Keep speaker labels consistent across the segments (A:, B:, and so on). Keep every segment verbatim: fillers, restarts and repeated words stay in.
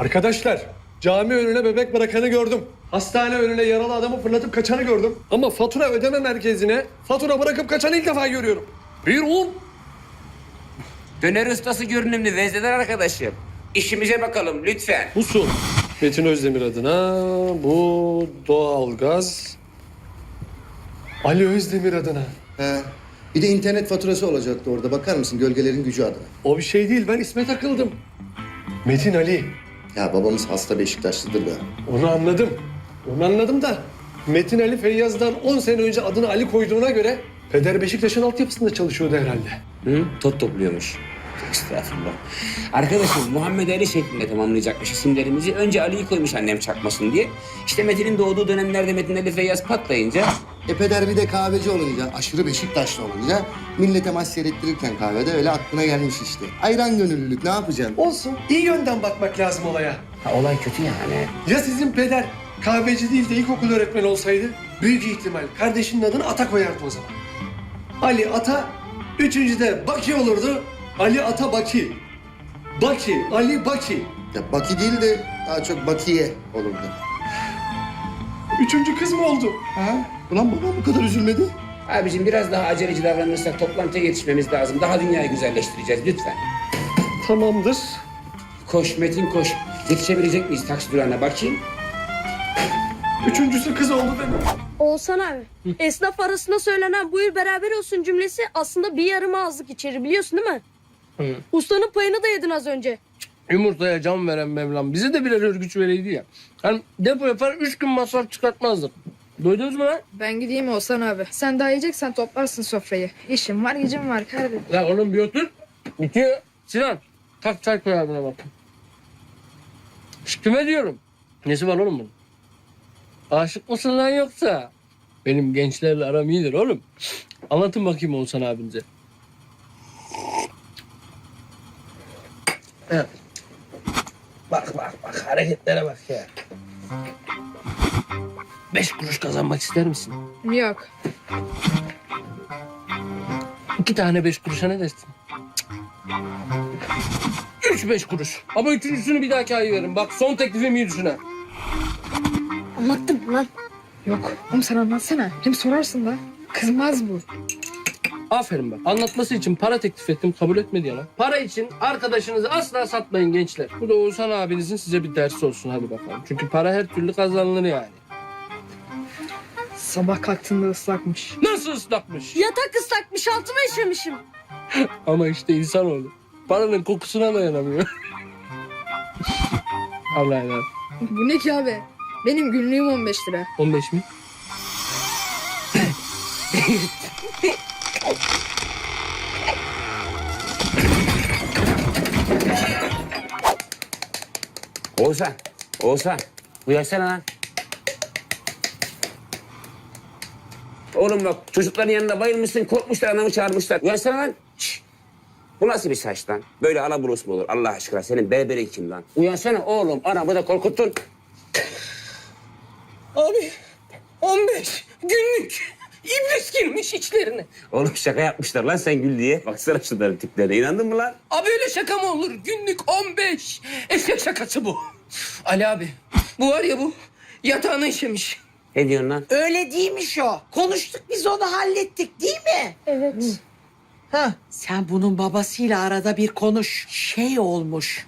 A: Arkadaşlar, cami önüne bebek bırakanı gördüm. Hastane önüne yaralı adamı fırlatıp kaçanı gördüm. Ama fatura ödeme merkezine fatura bırakıp kaçanı ilk defa görüyorum. Bir un.
B: Döner ustası görünümlü vezneler arkadaşım. İşimize bakalım lütfen.
A: Bu su. Metin Özdemir adına, bu doğalgaz. Ali Özdemir adına.
C: He. Bir de internet faturası olacaktı orada. Bakar mısın gölgelerin gücü adına?
A: O bir şey değil, ben isme takıldım. Metin Ali.
C: Ya babamız hasta Beşiktaşlıdır da.
A: Onu anladım. Onu anladım da Metin Ali Feyyaz'dan on sene önce adını Ali koyduğuna göre Peder Beşiktaş'ın altyapısında çalışıyordu herhalde.
B: Hı? Tot topluyormuş. Estağfurullah. Arkadaşım Muhammed Ali şeklinde tamamlayacakmış isimlerimizi. Önce Ali'yi koymuş annem çakmasın diye. İşte Metin'in doğduğu dönemlerde Metin Ali Feyyaz patlayınca...
C: E peder bir de kahveci olunca, aşırı Beşiktaşlı olunca millete maç seyrettirirken kahvede öyle aklına gelmiş işte. Ayran gönüllülük ne yapacaksın?
A: Olsun. İyi yönden bakmak lazım olaya.
B: Ha, olay kötü yani.
A: Ya sizin peder kahveci değil de ilkokul öğretmeni olsaydı? Büyük ihtimal kardeşinin adını Ata koyardı o zaman. Ali Ata, üçüncüde Baki olurdu. Ali Ata Baki. Baki, Ali Baki.
C: Ya Baki değil de daha çok Bakiye olurdu.
A: Üçüncü kız mı oldu?
C: Ha? Ulan babam bu kadar üzülmedi.
B: Abicim biraz daha aceleci davranırsak toplantıya yetişmemiz lazım. Daha dünyayı güzelleştireceğiz lütfen.
A: Tamamdır.
B: Koş Metin koş. Yetişebilecek miyiz taksi durağına bakayım.
A: Üçüncüsü kız oldu demek.
D: Oğuzhan abi, esnaf arasında söylenen buyur beraber olsun cümlesi aslında bir yarım ağızlık içeri biliyorsun değil mi?
E: Hı.
D: Ustanın payını da yedin az önce.
E: Yumurtaya can veren Mevlam bize de birer örgüç vereydi ya. Hani depo yapar üç gün masraf çıkartmazdık. Duydunuz mu lan?
F: Ben gideyim Oğuzhan abi. Sen daha yiyeceksen toplarsın sofrayı. İşim var, gücüm var kardeşim.
E: Ya oğlum bir otur. Bitiyor. Sinan kalk çay koy abine bak. Şş, kime diyorum? Nesi var oğlum bunun? Aşık mısın lan yoksa? Benim gençlerle aram iyidir oğlum. Anlatın bakayım Oğuzhan abinize. Evet. Bak bak bak hareketlere bak ya. Beş kuruş kazanmak ister misin?
F: Yok.
E: İki tane beş kuruşa ne dersin? Üç beş kuruş. Ama üçüncüsünü bir dahaki ay veririm. Bak son teklifim iyi düşün ha.
D: Anlattım lan.
F: Yok. Oğlum sen anlatsana. Hem sorarsın da. Kızmaz bu.
E: Aferin bak. Anlatması için para teklif ettim kabul etmedi ya lan. Para için arkadaşınızı asla satmayın gençler. Bu da Oğuzhan abinizin size bir dersi olsun hadi bakalım. Çünkü para her türlü kazanılır yani.
F: Sabah kalktığında ıslakmış.
E: Nasıl ıslakmış?
D: Yatak ıslakmış, altıma işemişim.
E: Ama işte insanoğlu. Paranın kokusuna dayanamıyor. Allah'a emanet.
F: Bu ne ki abi? Benim günlüğüm on beş lira.
E: on beş mi?
B: Oğuzhan, Oğuzhan. Uyansana lan. Oğlum bak çocukların yanında bayılmışsın, korkmuşlar, anamı çağırmışlar. Uyansana lan. Şişt. Bu nasıl bir saç lan? Böyle alaburus mu olur Allah aşkına? Senin berberin kim lan? Uyansana oğlum, anamı da korkuttun.
E: Abi on beş günlük iblis girmiş içlerine.
B: Oğlum şaka yapmışlar lan sen gül diye. Baksana şunların tiplerine, inandın mı lan?
E: Abi öyle şaka mı olur? Günlük on beş. Eşek şakası bu. Ali abi bu var ya bu yatağını işemiş.
B: Ne diyorsun lan?
G: Öyle değilmiş o. Konuştuk biz onu hallettik değil mi?
D: Evet.
G: Ha. Sen bunun babasıyla arada bir konuş. Şey olmuş.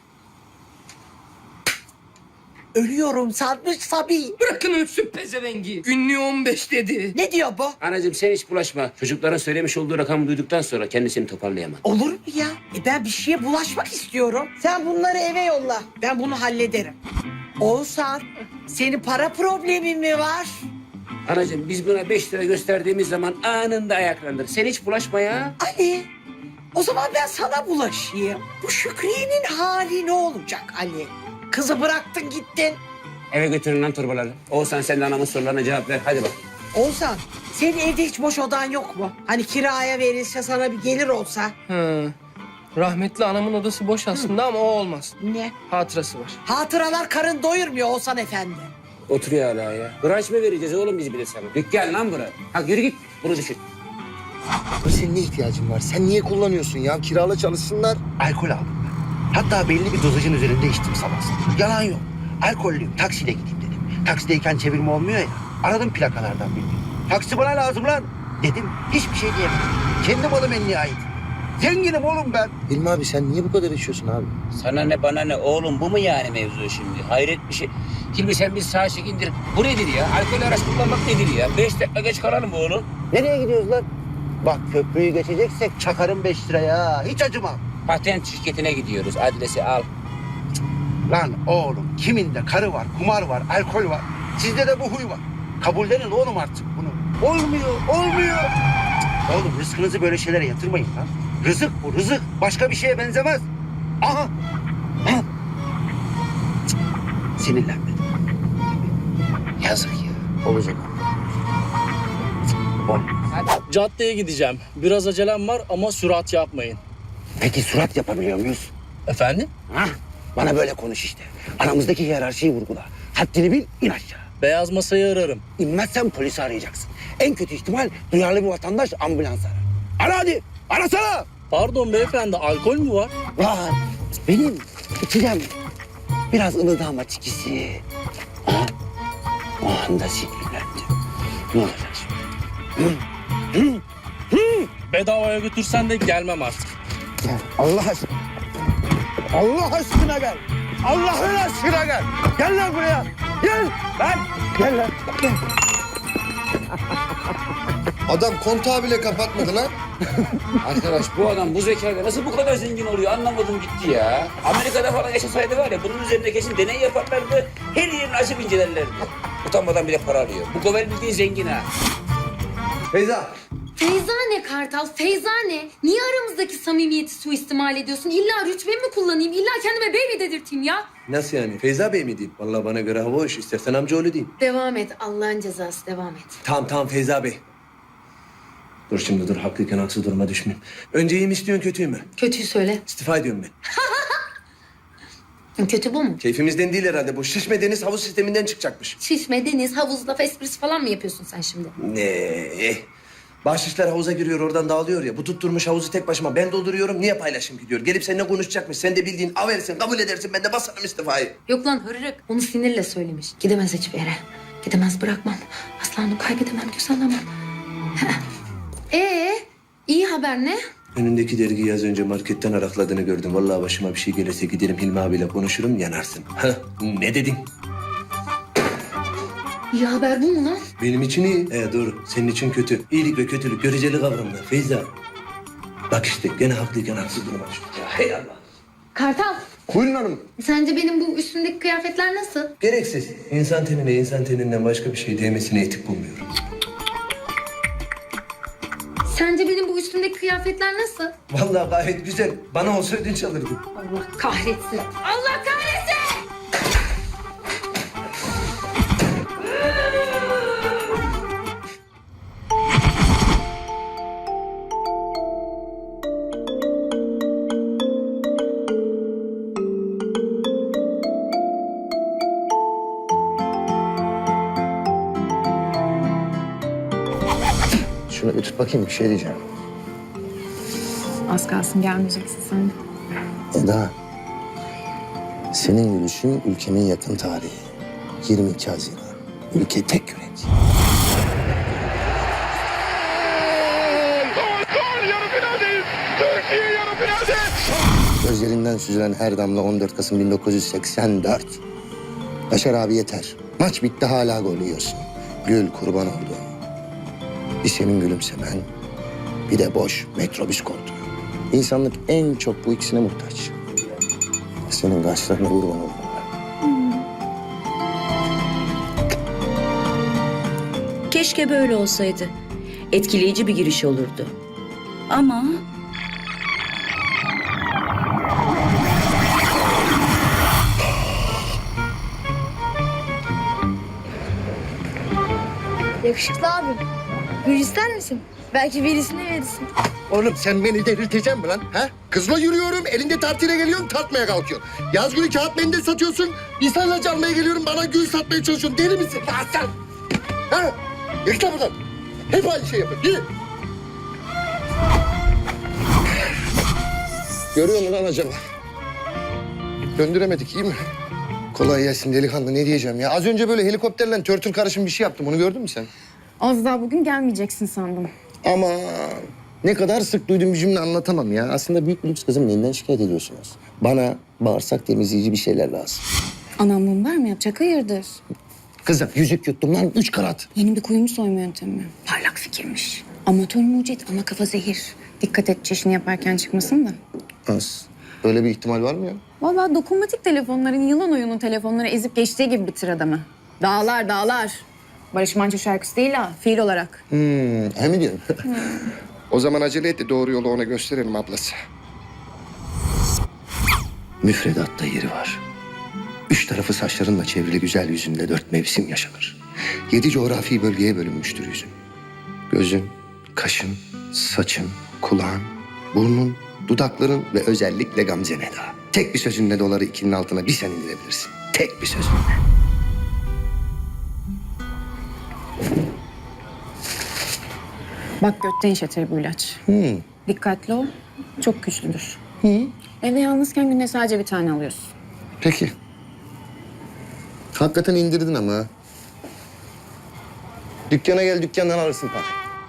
G: Ölüyorum sanmış Sabi.
E: Bırakın ölsün pezevengi. Günlüğü on beş dedi.
G: Ne diyor bu?
B: Anacığım sen hiç bulaşma. Çocukların söylemiş olduğu rakamı duyduktan sonra kendisini toparlayamam.
G: Olur mu ya? E ben bir şeye bulaşmak istiyorum. Sen bunları eve yolla. Ben bunu hallederim. Oğuzhan, senin para problemin mi var?
B: Anacığım biz buna beş lira gösterdiğimiz zaman anında ayaklandır. Sen hiç bulaşma ya.
G: Ali, o zaman ben sana bulaşayım. Bu Şükriye'nin hali ne olacak Ali? Kızı bıraktın gittin.
B: Eve götürün lan torbaları. Oğuzhan sen de anamın sorularına cevap ver. Hadi bak.
G: Oğuzhan, senin evde hiç boş odan yok mu? Hani kiraya verilse sana bir gelir olsa.
E: Hı. Rahmetli anamın odası boş aslında ama o olmaz.
G: Ne?
E: Hatırası var.
G: Hatıralar karın doyurmuyor Oğuzhan efendi.
B: Oturuyor hala ya. Branş mı vereceğiz oğlum biz bir de sana? Dükkan lan bura. Hadi yürü git. Bunu düşün.
C: Senin ne ihtiyacın var? Sen niye kullanıyorsun ya? Kirala çalışsınlar.
H: Alkol aldım ben. Hatta belli bir dozajın üzerinde içtim sabah sabah. Yalan yok. Alkollüyüm. Taksiyle gideyim dedim. Taksideyken çevirme olmuyor ya. Aradım plakalardan birini. Taksi bana lazım lan dedim. Hiçbir şey diyemedim. Kendi malım en nihayet. Zenginim oğlum ben.
C: Hilmi abi sen niye bu kadar içiyorsun abi?
B: Sana ne bana ne oğlum, bu mu yani mevzu şimdi? Hayret bir şey. Hilmi sen bir sağa çek indir. Bu nedir ya? Alkol araç kullanmak nedir ya? Beş dakika geç kalalım oğlum.
H: Nereye gidiyoruz lan? Bak köprüyü geçeceksek çakarım beş liraya. Hiç acımam.
B: Patent şirketine gidiyoruz. Adresi al.
H: Lan oğlum kiminde karı var, kumar var, alkol var. Sizde de bu huy var. Kabullenin oğlum artık bunu. Olmuyor, olmuyor. Cık, Oğlum rızkınızı böyle şeylere yatırmayın lan. Rızık bu, rızık. Başka bir şeye benzemez. Aha. Aha. Cık, Sinirlenmedim. Yazık ya.
C: Olacak.
H: Cık, Olmaz.
I: Caddeye gideceğim. Biraz acelem var ama sürat yapmayın.
H: Peki surat yapabiliyor muyuz?
I: Efendim?
H: Ha? Bana böyle konuş işte. Aramızdaki hiyerarşiyi vurgula. Haddini bil, in aşağı.
I: Beyaz masayı ararım.
H: İnmezsen polisi arayacaksın. En kötü ihtimal duyarlı bir vatandaş ambulans arar. Ara hadi, arasana.
I: Pardon beyefendi, alkol mü var?
H: Var, benim içeceğim. Biraz ılıdı ama çikisi. Ha? O anda sinirlendim. Ne olacak şimdi? Hı? Hı? Hı?
I: Bedavaya götürsen de gelmem artık.
H: Gel, Allah aşkına. Allah aşkına gel. Allah'ın aşkına gel. Gel lan buraya. Gel. Lan. Gel lan. Gel.
C: Adam kontağı bile kapatmadı lan.
B: Arkadaş bu adam bu zekayla nasıl bu kadar zengin oluyor anlamadım gitti ya. Amerika'da falan yaşasaydı var ya bunun üzerinde kesin deney yaparlardı. Her yerini açıp incelerlerdi. Utanmadan bile para alıyor. Bu Govel bildiğin zengin ha.
A: Feyza.
D: Feyza ne Kartal? Feyza ne? Niye aramızdaki samimiyeti suistimal ediyorsun? İlla rütbemi mi kullanayım? İlla kendime baby dedirteyim ya?
A: Nasıl yani? Feyza Bey mi diyeyim? Vallahi bana göre hava hoş. İstersen amcaoğlu diyeyim.
D: Devam et. Allah'ın cezası devam et.
A: Tamam tamam Feyza Bey. Dur şimdi dur. Haklıyken haksız duruma düşmeyeyim. Önce iyi mi istiyorsun kötüyü mü?
D: Kötüyü söyle.
A: İstifa ediyorum ben.
D: Kötü bu mu?
A: Keyfimizden değil herhalde bu. Şişme deniz havuz sisteminden çıkacakmış.
D: Şişme, deniz, havuz, laf esprisi falan mı yapıyorsun sen şimdi?
A: Ne? Bahşişler havuza giriyor oradan dağılıyor ya. Bu tutturmuş havuzu tek başıma ben dolduruyorum. Niye paylaşım gidiyor? Gelip seninle konuşacakmış. Sen de bildiğin aversin, kabul edersin. Ben de basarım istifayı.
D: Yok lan hırırık. Onu sinirle söylemiş. Gidemez hiçbir yere. Gidemez bırakmam. Asla onu kaybedemem, göz alamam. Ee, iyi haber ne?
A: Önündeki dergiyi az önce marketten arakladığını gördüm. Vallahi başıma bir şey gelirse giderim Hilmi abiyle konuşurum yanarsın. Hah, ne dedin?
D: İyi haber bu mu lan?
A: Benim için iyi. He doğru. Senin için kötü. İyilik ve kötülük göreceli kavramlar. Feyza. Bak işte gene haklıyken haksız duruma düştük. Ya hey Allah.
D: Kartal,
A: Buyurun hanım.
D: sence benim bu üstümdeki kıyafetler nasıl?
A: Gereksiz. İnsan tenine insan teninden başka bir şey değmesine etik bulmuyorum.
D: Sence benim bu üstümdeki kıyafetler nasıl?
A: Vallahi gayet güzel. Bana olsa ödünç alırdım.
D: Allah kahretsin. Allah kahretsin!
C: Şunu bir tut bakayım bir şey diyeceğim.
F: Az kalsın gelmeyeceksin sen de.
C: Eda, senin yürüyüşün ülkemin yakın tarihi. yirmi iki Haziran. Ülke tek yürek. Gözlerinden süzülen her damla on dört Kasım bin dokuz yüz seksen dört. Yaşar abi yeter. Maç bitti hala gol yiyorsun. Gül kurban oldu. Bir senin gülümsemen, bir de boş metrobüs koltuğu. İnsanlık en çok bu ikisine muhtaç. Senin kaşlarına kurban oldum ben.
J: Keşke böyle olsaydı. Etkileyici bir giriş olurdu. Ama
F: Yakışıklı abim. Gül ister misin? Belki birisine verirsin.
C: Oğlum sen beni delirteceksin mi lan? Ha? Kızla yürüyorum, elinde tartıyla geliyorsun, tartmaya kalkıyorsun. Yaz günü kağıt mendil satıyorsun, insanla çalmaya geliyorum, bana gül satmaya çalışıyorsun. Deli misin? Ya sen! Ha? Yıkla buradan. Hep aynı şey yapın. Yürü. Görüyor musun lan acaba? Döndüremedik iyi mi? Kolay gelsin delikanlı ne diyeceğim ya. Az önce böyle helikopterle törtür karışım bir şey yaptım. Onu gördün mü sen?
K: Az daha bugün gelmeyeceksin sandım.
C: Ama ne kadar sık duyduğum bir cümle anlatamam ya. Aslında büyük bir lüks kızım neyinden şikayet ediyorsunuz? Bana bağırsak temizleyici bir şeyler lazım.
K: Anam mum var mı yapacak? Hayırdır?
C: Kızım yüzük yuttum lan üç karat.
K: Yeni bir kuyumcu soyma yöntemi. Parlak fikirmiş. Amatör mucit ama kafa zehir. Dikkat et çeşini yaparken çıkmasın da.
C: Az. Öyle bir ihtimal var mı ya?
K: Vallahi dokunmatik telefonların yılan oyunu telefonları ezip geçtiği gibi bitir adamı. Dağlar dağlar. Barış Manço şarkısı değil ha, fiil olarak.
C: Hmm, he mi diyorsun? O zaman acele et de doğru yolu ona gösterelim ablası. Müfredatta yeri var. Üç tarafı saçlarınla çevrili güzel yüzünde dört mevsim yaşanır. Yedi coğrafi bölgeye bölünmüştür yüzün. Gözün, kaşın, saçın, kulağın, burnun, dudakların ve özellikle Gamze Neda. Tek bir sözünle doları ikinin altına bir sen indirebilirsin. Tek bir sözünle.
K: Bak götten işletir bu ilaç.
C: Hmm.
K: Dikkatli ol, çok güçlüdür. Evde yalnızken günde sadece bir tane alıyorsun.
C: Peki. Hakikaten indirdin ama. ha. Dükkana gel, dükkandan alırsın parayı.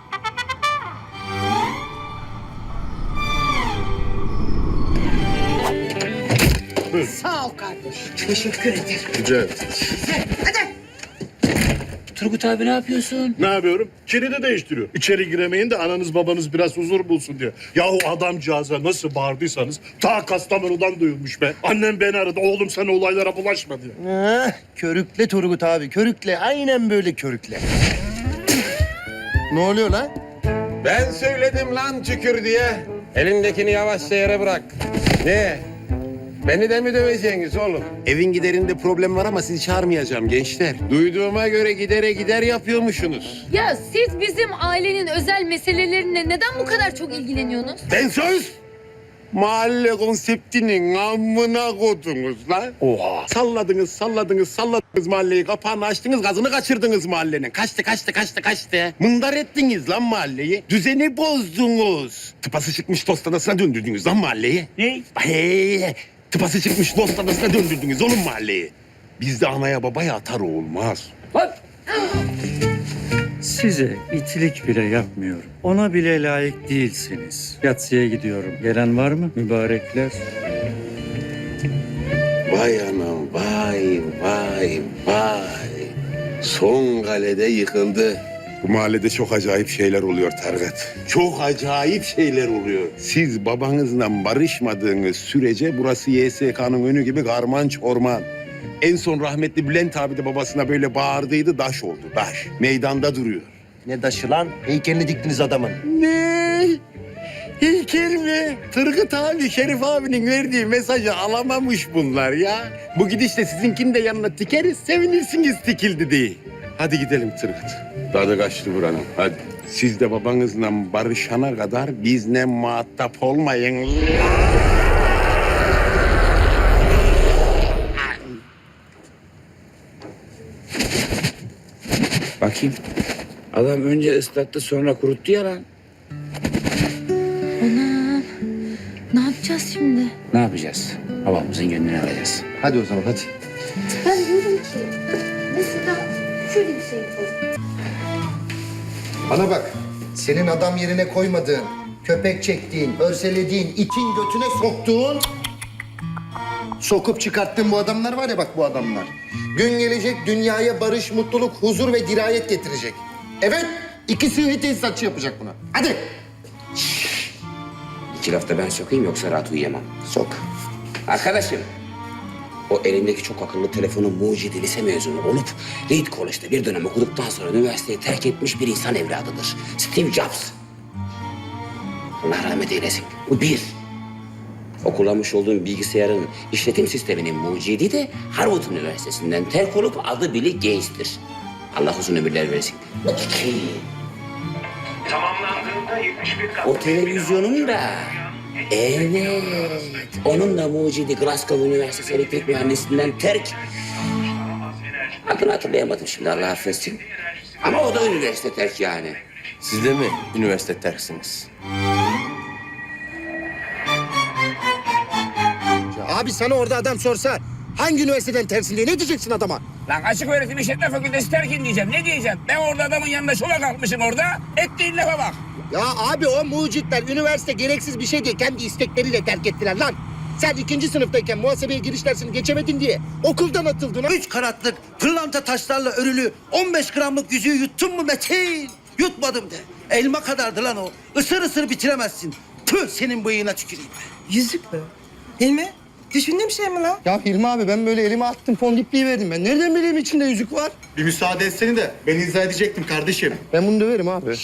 G: Sağ ol kardeşim. Teşekkür ederim.
L: Rica ederim.
G: Hadi.
B: Turgut abi ne yapıyorsun?
L: Ne yapıyorum? Kilidi değiştiriyor. İçeri giremeyin de ananız babanız biraz huzur bulsun diye. Yahu adamcağıza nasıl bağırdıysanız ta Kastamonu'dan duyulmuş be. Annem beni aradı. Oğlum sen olaylara bulaşma diye.
C: Heh, körükle Turgut abi, körükle. Aynen böyle körükle. Ne oluyor lan?
M: Ben söyledim lan tükür diye. Elindekini yavaşça yere bırak. Ne? Beni de mi döveceksiniz oğlum? Evin giderinde problem var ama sizi çağırmayacağım gençler. Duyduğuma göre gidere gider yapıyormuşsunuz.
D: Ya siz bizim ailenin özel meselelerine neden bu kadar çok ilgileniyorsunuz?
M: Ben söz! Mahalle konseptinin amına kodunuz lan. Oha. Salladınız, salladınız, salladınız mahalleyi. Kapağını açtınız, gazını kaçırdınız mahallenin. Kaçtı, kaçtı, kaçtı, kaçtı. Mındar ettiniz lan mahalleyi. Düzeni bozdunuz. Tıpası çıkmış dost adasına döndürdünüz lan mahalleyi. Ne? Hey, tıpası çıkmış dost adasına döndürdünüz oğlum mahalleyi. Bizde anaya babaya atar olmaz.
B: Bak.
N: Size itilik bile yapmıyorum. Ona bile layık değilsiniz. Yatsıya gidiyorum. Gelen var mı mübarekler?
M: Vay anam, vay, vay, vay. Son kalede yıkıldı. Bu mahallede çok acayip şeyler oluyor Targat. Çok acayip şeyler oluyor. Siz babanızla barışmadığınız sürece burası Y S K'nın önü gibi karman çorman. En son rahmetli Bülent abi de babasına böyle bağırdıydı, daş oldu, daş. Meydanda duruyor.
C: Ne daşı lan? Heykelini diktiniz adamın.
M: Ne? Heykel mi? Turgut abi, Şerif abinin verdiği mesajı alamamış bunlar ya. Bu gidişle sizinkini de yanına tikeriz, sevinirsiniz tikildi diye. Hadi gidelim Turgut. Tadı kaçtı buranın, hadi. Siz de babanızla barışana kadar bizle muhatap olmayın.
B: Bakayım. Adam önce ıslattı sonra kuruttu ya lan.
D: Anam. Ne yapacağız şimdi?
B: Ne yapacağız? Babamızın gönlünü alacağız.
C: Hadi o zaman hadi.
D: Ben diyorum ki mesela şöyle bir şey yapalım.
C: Bana bak. Senin adam yerine koymadığın, köpek çektiğin, örselediğin, itin götüne soktuğun... Sokup çıkarttığın bu adamlar var ya bak bu adamlar. Gün gelecek dünyaya barış, mutluluk, huzur ve dirayet getirecek. Evet, iki sıhhi tesisatçı yapacak buna. Hadi.
B: İki lafta ben sokayım yoksa rahat uyuyamam. Sok. Arkadaşım. O elindeki çok akıllı telefonu mucidi lise mezunu olup Reed College'da bir dönem okuduktan sonra üniversiteyi terk etmiş bir insan evladıdır. Steve Jobs. Allah rahmet eylesin. Bu bir. O kullanmış olduğum bilgisayarın işletim sisteminin mucidi de Harvard Üniversitesi'nden terk olup adı Bill Gates'tir. Allah uzun ömürler versin. İki. O televizyonun da evet, onun da mucidi Glasgow Üniversitesi elektrik mühendisliğinden terk. Adını hatırlayamadım şimdi Allah affetsin. Ama o da üniversite terk yani.
M: Siz de mi üniversite terksiniz?
C: Abi sana orada adam sorsa hangi üniversiteden tersin diye ne diyeceksin adama?
B: Lan açık öğretim işletme fakültesi terkin diyeceğim. Ne diyeceğim? Ben orada adamın yanında şova kalkmışım orada. Ettiğin lafa bak.
C: Ya abi o mucitler üniversite gereksiz bir şey diye kendi istekleriyle terk ettiler lan. Sen ikinci sınıftayken muhasebeye giriş dersini geçemedin diye okuldan atıldın.
H: Üç karatlık pırlanta taşlarla örülü on beş gramlık yüzüğü yuttun mu Metin? Yutmadım de. Elma kadardı lan o. Isır ısır bitiremezsin. Tüh senin bıyığına tüküreyim.
G: Yüzük mü? Hilmi, düşündüğüm şey mi lan?
C: Ya Hilmi abi ben böyle elime attım fondipliği verdim ben. Nereden bileyim içinde yüzük var?
M: Bir müsaade etsene de ben izah edecektim kardeşim.
C: Ben bunu döverim abi.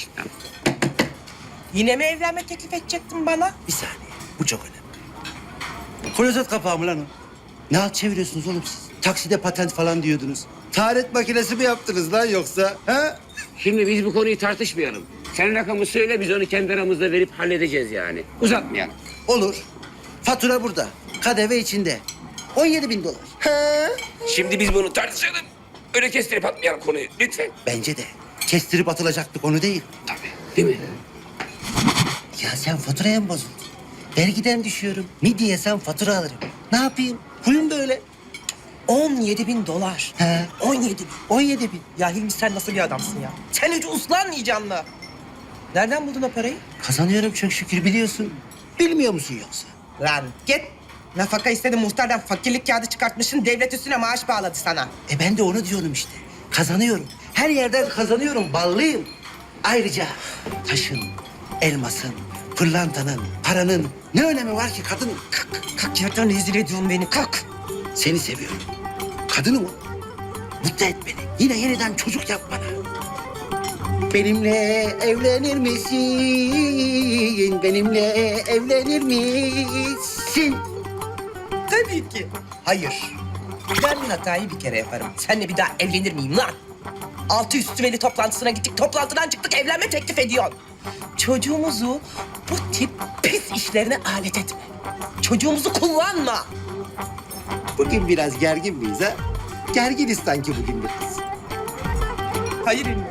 G: Yine mi evlenme teklif edecektin bana?
H: Bir saniye. Bu çok önemli. Klozet kapağı mı lan o? Ne alt çeviriyorsunuz oğlum siz? Takside patent falan diyordunuz. Taharet makinesi mi yaptınız lan yoksa? Ha?
B: Şimdi biz bu konuyu tartışmayalım. Sen rakamı söyle biz onu kendi aramızda verip halledeceğiz yani. Uzatmayalım.
H: Olur. Fatura burada. K D V içinde. on yedi bin dolar.
B: Şimdi biz bunu tartışalım. Öyle kestirip atmayalım konuyu lütfen.
H: Bence de. Kestirip atılacak bir konu değil.
B: Tabii. Değil mi?
H: Ya sen faturaya mı bozuldun? Vergiden düşüyorum. Midye sen fatura alırım. Ne yapayım? Huyum böyle.
G: on yedi bin dolar.
H: He.
G: on yedi bin.
H: on yedi bin.
G: Ya Hilmi sen nasıl bir adamsın ya? Sen hiç uslanmayacaksın mı? Nereden buldun o parayı?
H: Kazanıyorum çok şükür biliyorsun. Bilmiyor musun yoksa?
G: Lan git. Nafaka istedi muhtardan fakirlik kağıdı çıkartmışsın. Devlet üstüne maaş bağladı sana.
H: E ben de onu diyorum işte. Kazanıyorum. Her yerden kazanıyorum. Ballıyım. Ayrıca taşın, elmasın, pırlantanın, paranın ne önemi var ki kadın?
G: Kalk, kalk yerden rezil ediyorsun beni. Kalk.
H: Seni seviyorum. Kadınım o. Mutlu et beni. Yine yeniden çocuk yap bana. Benimle evlenir misin? Benimle evlenir misin?
G: Tabii ki. Hayır. Ben bir hatayı bir kere yaparım. Seninle bir daha evlenir miyim lan? Altı üstü veli toplantısına gittik. Toplantıdan çıktık. Evlenme teklif ediyorsun. Çocuğumuzu bu tip pis işlerine alet etme. Çocuğumuzu kullanma.
H: Bugün biraz gergin miyiz ha? Gerginiz sanki bugün biraz.
G: Hayır İlmi.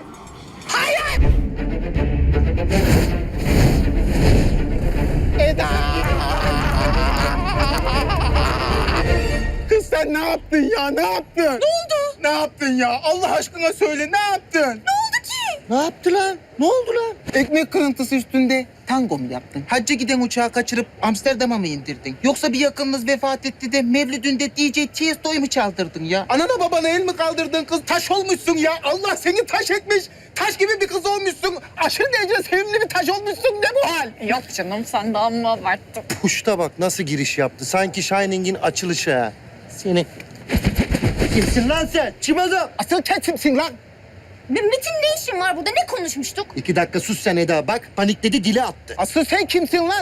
M: Kız sen ne yaptın ya ne yaptın? Ne
G: oldu?
M: Ne yaptın ya? Allah aşkına söyle ne yaptın?
G: Ne oldu ki?
H: Ne yaptı lan? Ne oldu lan?
O: Ekmek kırıntısı üstünde tango mu yaptın? Hacca giden uçağı kaçırıp Amsterdam'a mı indirdin? Yoksa bir yakınınız vefat etti de Mevlüdünde D J Tiesto'yu mu çaldırdın ya?
M: Anana babana el mi kaldırdın kız? Taş olmuşsun ya. Allah seni taş etmiş. Taş gibi bir kız olmuşsun. Aşırı derece sevimli bir taş olmuşsun. Ne bu hal?
K: Yok canım sen de amma abarttın.
C: Puşta bak nasıl giriş yaptı. Sanki Shining'in açılışı ha. Seni...
H: Kimsin lan sen? Kim adam?
O: Asıl sen kimsin lan?
K: Metin ne işin var burada? Ne konuşmuştuk?
C: İki dakika sus sen Eda bak. Panikledi dili attı.
O: Asıl sen kimsin lan?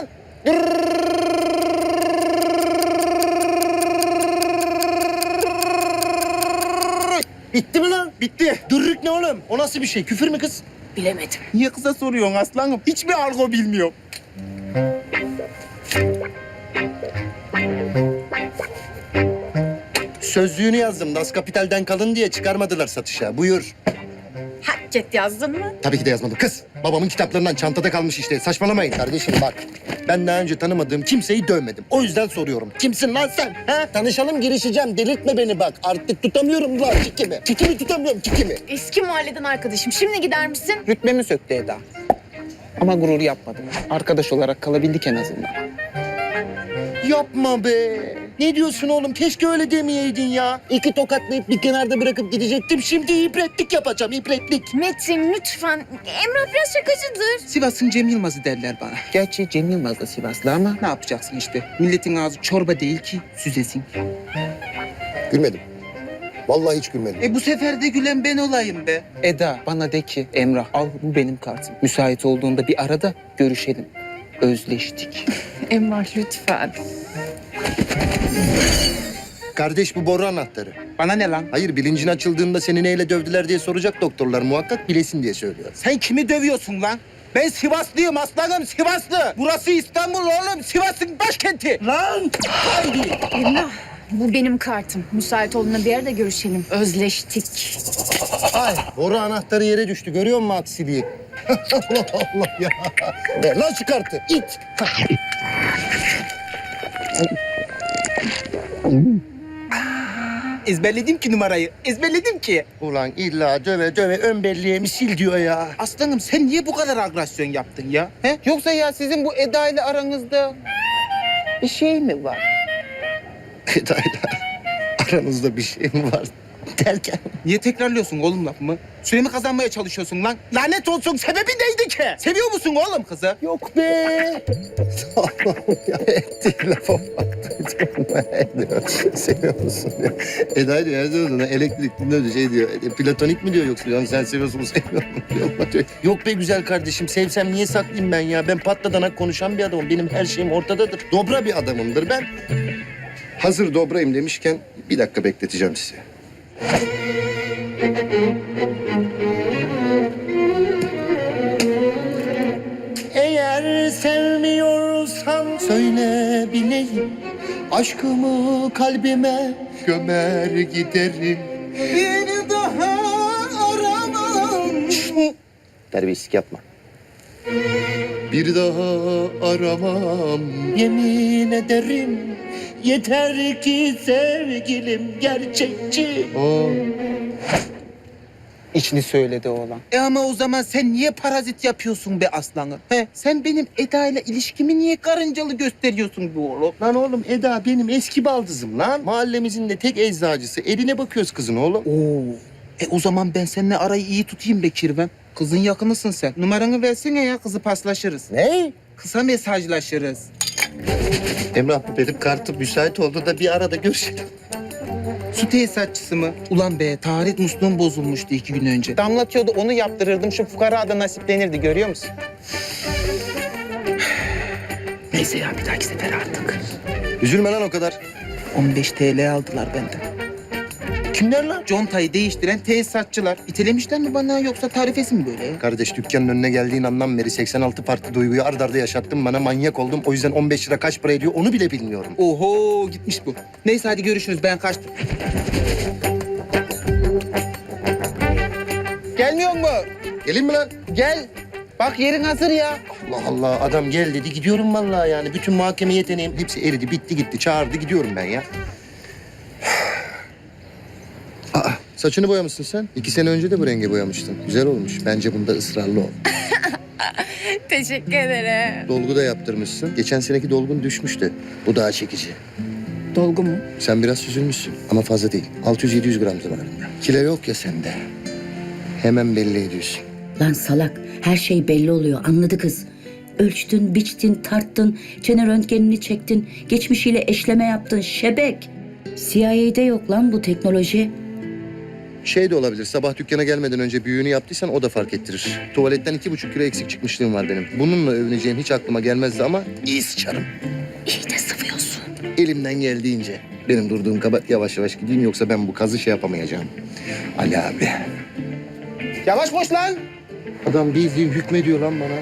C: Bitti mi lan? Bitti. Dürrük ne oğlum? O nasıl bir şey? Küfür mü kız?
K: Bilemedim.
O: Niye kıza soruyorsun aslanım? Hiçbir argo bilmiyorum.
C: Sözlüğünü yazdım. Das Kapital'den kalın diye çıkarmadılar satışa. Buyur.
K: Hakket yazdın mı?
C: Tabii ki de yazmadım. Kız, babamın kitaplarından çantada kalmış işte. Saçmalamayın kardeşim bak. Ben daha önce tanımadığım kimseyi dövmedim. O yüzden soruyorum. Kimsin lan sen? Ha? Tanışalım, girişeceğim. Delirtme beni bak. Artık tutamıyorum lan kikimi. Kikimi tutamıyorum, kikimi.
K: Eski mahalleden arkadaşım. Şimdi gider misin?
O: Rütbemi söktü Eda. Ama gurur yapmadım. Arkadaş olarak kalabildik en azından.
C: Yapma be. Ne diyorsun oğlum? Keşke öyle demeyeydin ya. İki tokatlayıp bir kenarda bırakıp gidecektim. Şimdi ibretlik yapacağım, ibretlik.
K: Metin lütfen. Emrah biraz şakacıdır.
O: Sivas'ın Cem Yılmaz'ı derler bana. Gerçi Cem Yılmaz da Sivaslı ama ne yapacaksın işte. Milletin ağzı çorba değil ki süzesin.
C: Gülmedim. Vallahi hiç gülmedim.
O: E bu sefer de gülen ben olayım be. Eda bana de ki Emrah al bu benim kartım. Müsait olduğunda bir arada görüşelim. Özleştik.
K: Emrah lütfen.
C: Kardeş bu boru anahtarı.
O: Bana ne lan?
C: Hayır bilincin açıldığında seni neyle dövdüler diye soracak doktorlar. Muhakkak bilesin diye söylüyor.
O: Sen kimi dövüyorsun lan? Ben Sivaslıyım aslanım Sivaslı. Burası İstanbul oğlum. Sivas'ın başkenti.
H: Lan! Haydi!
K: Emrah bu benim kartım. Müsait olduğunda bir yerde görüşelim. Özleştik.
C: Ay boru anahtarı yere düştü. Görüyor musun aksiliği? Allah Allah ya. Ver lan şu kartı. İt.
O: Ezberledim ki numarayı. Ezberledim ki.
C: Ulan illa döve döve ön belleğimi sil diyor ya.
O: Aslanım sen niye bu kadar agresyon yaptın ya? He? Yoksa ya sizin bu Eda ile aranızda bir şey mi var?
C: Eda'yla aranızda bir şey mi var derken?
O: Niye tekrarlıyorsun oğlum lafımı? Süremi kazanmaya çalışıyorsun lan. Lanet olsun, sebebi neydi ki? Seviyor musun oğlum kızı?
C: Yok be. Allah'ım ya ettiği lafa bak. Seviyor musun diyor. Eda diyor her zaman elektrikli diyor şey diyor. E, platonik mi diyor yoksa yani sen seviyorsun mu sevmiyor musun diyor. diyor. Yok be güzel kardeşim sevsem niye saklayayım ben ya? Ben patladanak konuşan bir adamım. Benim her şeyim ortadadır. Dobra bir adamımdır ben. Hazır dobrayım demişken bir dakika bekleteceğim sizi. Eğer sevmiyorsan söyle bileyim. Aşkımı kalbime gömer giderim.
O: Bir daha aramam.
C: Terbiyesizlik yapma. Bir daha aramam yemin ederim. Yeter ki sevgilim gerçekçi.
O: Oo. İçini söyledi oğlan. E ama o zaman sen niye parazit yapıyorsun be aslanım? He, sen benim Eda ile ilişkimi niye karıncalı gösteriyorsun bu oğlum?
C: Lan oğlum Eda benim eski baldızım lan. Mahallemizin de tek eczacısı. Eline bakıyoruz kızın oğlum.
O: Oo. E o zaman ben seninle arayı iyi tutayım be Kirven. Kızın yakınısın sen. Numaranı versene ya, kızı paslaşırız.
C: Ne?
O: Kısa mesajlaşırız.
C: Emrah bu benim kartım müsait oldu da bir arada görüşelim.
O: Su tesisatçısı mı? Ulan be, taharet musluğum bozulmuştu iki gün önce. Damlatıyordu, onu yaptırırdım. Şu fukara da nasiplenirdi, görüyor musun? Neyse ya, bir dahaki sefer artık.
C: Üzülme lan o kadar.
O: on beş TL aldılar benden.
C: Kimler lan?
O: Contayı değiştiren tesisatçılar. İtelemişler mi bana yoksa tarifesi mi böyle ya?
C: Kardeş dükkanın önüne geldiğin andan beri seksen altı farklı duyguyu ard arda yaşattın bana, manyak oldum. O yüzden on beş lira kaç para ediyor onu bile bilmiyorum.
O: Oho, gitmiş bu. Neyse hadi görüşürüz, ben kaçtım. Gelmiyor mu?
C: Gelin mi lan?
O: Gel. Bak yerin hazır ya.
C: Allah Allah adam gel dedi gidiyorum vallahi yani. Bütün muhakeme yeteneğim hepsi eridi bitti gitti çağırdı gidiyorum ben ya. Aa, saçını boyamışsın sen. İki sene önce de bu renge boyamıştın. Güzel olmuş. Bence bunda ısrarlı ol.
K: Teşekkür ederim.
C: Dolgu da yaptırmışsın. Geçen seneki dolgun düşmüştü. Bu daha çekici.
K: Dolgu mu?
C: Sen biraz süzülmüşsün ama fazla değil. altı yüz yedi yüz gram civarında. Kilo yok ya sende. Hemen belli ediyorsun.
J: Lan salak, her şey belli oluyor, anladı kız. Ölçtün, biçtin, tarttın, çene röntgenini çektin, geçmişiyle eşleme yaptın, şebek. C I A'de yok lan bu teknoloji.
C: Şey de olabilir, sabah dükkana gelmeden önce büyüğünü yaptıysan o da fark ettirir. Tuvaletten iki buçuk kilo eksik çıkmışlığım var benim. Bununla övüneceğim hiç aklıma gelmezdi ama iyi sıçarım.
J: İyi de sıvıyorsun.
C: Elimden geldiğince. Benim durduğum kaba yavaş yavaş gideyim yoksa ben bu kazı şey yapamayacağım. Ali abi.
O: Yavaş koş lan.
C: Adam bildiğin hükmediyor lan bana.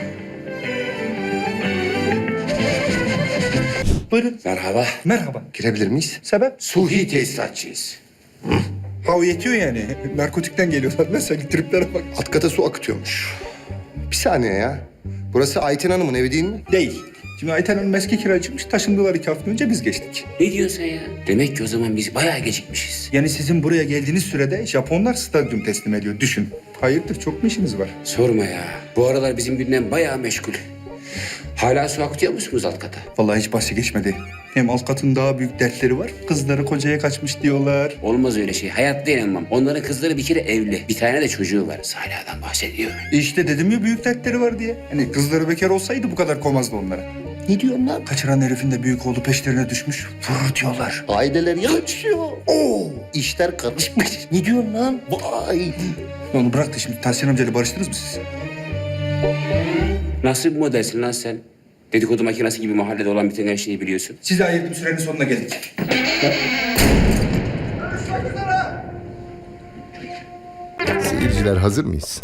B: Buyurun. Merhaba.
P: Merhaba.
C: Girebilir miyiz?
P: Sebep?
B: Suhi tesisatçıyız.
P: Ha o yetiyor yani. Narkotikten geliyorlar. Mesela triplere bak.
C: Alt kata su akıtıyormuş. Bir saniye ya. Burası Ayten Hanım'ın evi değil mi?
P: Değil. Şimdi Ayten Hanım eski kiracıymış. Taşındılar iki hafta önce biz geçtik.
B: Ne diyorsun sen ya? Demek ki o zaman biz bayağı gecikmişiz.
P: Yani sizin buraya geldiğiniz sürede Japonlar stadyum teslim ediyor. Düşün. Hayırdır çok mu işiniz var?
B: Sorma ya. Bu aralar bizim gündem bayağı meşgul. Hala su akıtıyor musunuz alt kata?
P: Vallahi hiç bahsi geçmedi. Hem alt katın daha büyük dertleri var. Kızları kocaya kaçmış diyorlar.
B: Olmaz öyle şey. Hayatta inanmam. Onların kızları bir kere evli. Bir tane de çocuğu var. Saliha'dan bahsediyor.
P: İşte dedim ya büyük dertleri var diye. Hani kızları bekar olsaydı bu kadar kovmazdı onlara.
C: Ne diyorsun lan?
P: Kaçıran herifin de büyük oğlu peşlerine düşmüş. Vurur diyorlar.
C: Aileler yaşıyor. Oo, işler karışmış. Ne diyorsun lan? Vay.
P: Onu bırak da şimdi Tahsin amcayla barıştınız mı siz?
B: Nasıl bir modelsin lan sen? Dedikodu makinesi gibi mahallede olan biten her şeyi biliyorsun.
P: Size ayırdığım sürenin sonuna geldik.
M: Seyirciler hazır mıyız?